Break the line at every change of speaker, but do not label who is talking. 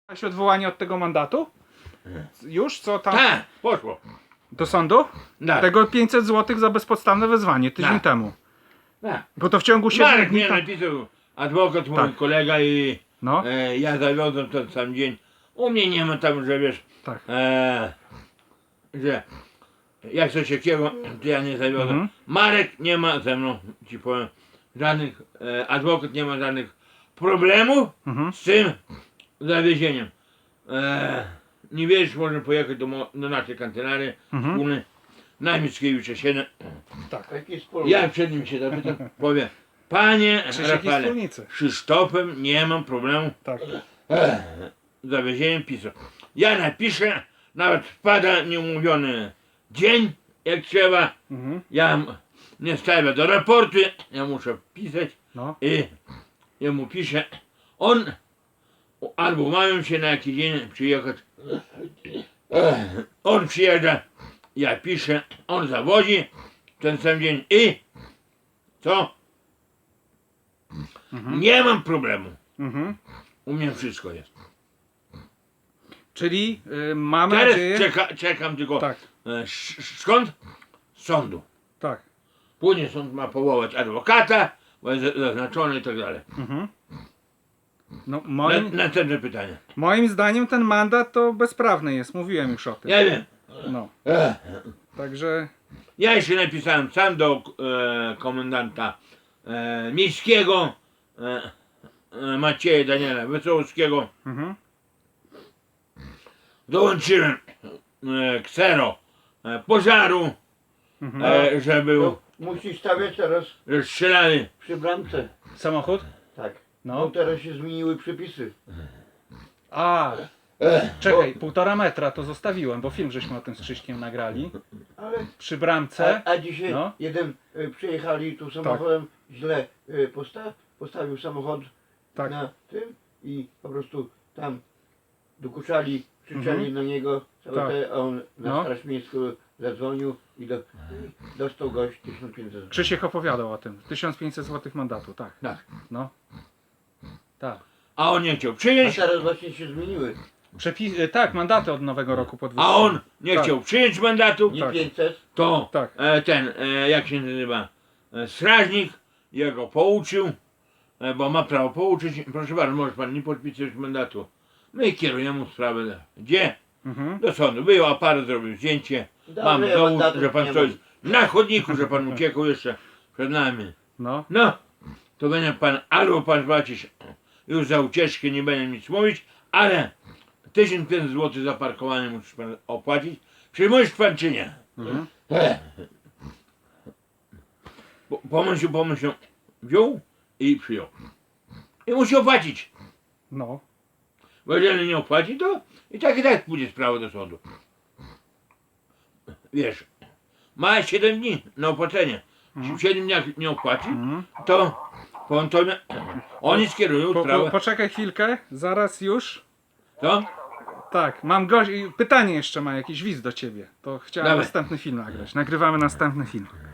Miałeś odwołanie od tego mandatu? Już? Co tam?
Tak, poszło.
Do sądu?
Tak.
Tego 500 zł za bezpodstawne wezwanie tydzień
Tak.
temu.
Tak.
Bo to w ciągu 7
Marek
dni
mnie
tam...
napisał, adwokat mój
Tak.
kolega i
No,
ja zawiodłem ten sam dzień. U mnie nie ma tam, że wiesz,
tak.
że jak coś takiego, to ja nie zawiodłem.
Mhm.
Marek nie ma ze mną, ci powiem, żadnych, adwokat nie ma żadnych problemów
Mhm.
z tym zawiezieniem. Nie wiesz, można pojechać do naszej kancelarii
Mhm.
wspólnej na Mickiewicza 7.
Tak.
Ja przed nim się zapytam, powie, panie
Krzysiek i
Rafale,
wspólnicy.
Krzysztofem nie mam problemu
Tak.
z zawiezieniem PiSu. Ja napiszę, nawet wpada nieumówiony dzień, jak trzeba.
Mhm.
Ja nie stawię do raportu, ja muszę pisać
No.
i ja mu piszę. On albo umawiam się na jakiś dzień przyjechać. On przyjeżdża, ja piszę, on zawozi ten sam dzień i co?
Mhm.
Nie mam problemu.
Mhm.
U mnie wszystko jest.
Czyli mamy
Teraz
nadzieję...
czekam tylko
Tak,
skąd? Z sądu.
tak.
Później sąd ma powołać adwokata, bo jest zaznaczony i tak dalej.
Mhm. No,
Następne pytanie.
moim zdaniem ten mandat to bezprawny jest. Mówiłem już o tym.
Ja wiem.
No. Także...
Ja jeszcze napisałem sam do komendanta miejskiego Macieja Daniela Wesołowskiego.
Mhm.
Dołączyłem ksero pożaru,
Mhm.
że był,
No, musisz stawiać teraz
że strzelali.
przy bramce.
Samochód?
Tak.
No.
No teraz się zmieniły przepisy.
A, czekaj, 1,5 metra to zostawiłem, bo film żeśmy o tym z Krzyśkiem nagrali.
Ale
Przy bramce.
a dzisiaj
No.
jeden przyjechali tu samochodem, źle postawił samochód
Tak.
na tym i po prostu tam dokuczali, krzyczeli na niego całe
Tak.
te, a on na
No.
Straż Miejską zadzwonił i dostał gość 1500 zł.
Krzysiek opowiadał o tym. 1500 zł mandatu, tak.
Tak.
No. Tak.
A on nie chciał
A
przyjąć,
teraz właśnie się zmieniły.
Tak, mandaty od nowego roku podwyższone.
a on nie
Tak.
chciał przyjąć mandatu,
Nie
Tak.
500,
to
Tak.
jak się nazywa, strażnik, ja go pouczył, bo ma prawo pouczyć, proszę bardzo, może pan nie podpisać mandatu. My kierujemy sprawę, gdzie?
Mhm.
Do sądu. Wyjął aparat, zrobił zdjęcie,
Dobrze,
mam
ja
dowód,
mandatów
że pan
nie
stoi na chodniku, że pan uciekł jeszcze przed nami.
No.
No, to będzie pan, albo pan płacić już za ucieczkę, nie będę nic mówić, ale 1500 zł za parkowanie musisz pan opłacić. Przyjmujesz pan czy nie?
Mhm.
Pomyśl, wziął i przyjął. I musi opłacić.
No.
Bo jeżeli nie opłaci, to i tak pójdzie sprawa do sądu. Wiesz, ma 7 dni na opłacenie. Jeśli w 7 dniach nie opłaci,
Mhm.
to powiedzmy, oni skierują sprawę.
Poczekaj chwilkę, zaraz już.
To?
Tak, mam pytanie jeszcze ma jakiś widz do ciebie. To chciałem
Dawaj.
następny film nagrać. Nagrywamy następny film.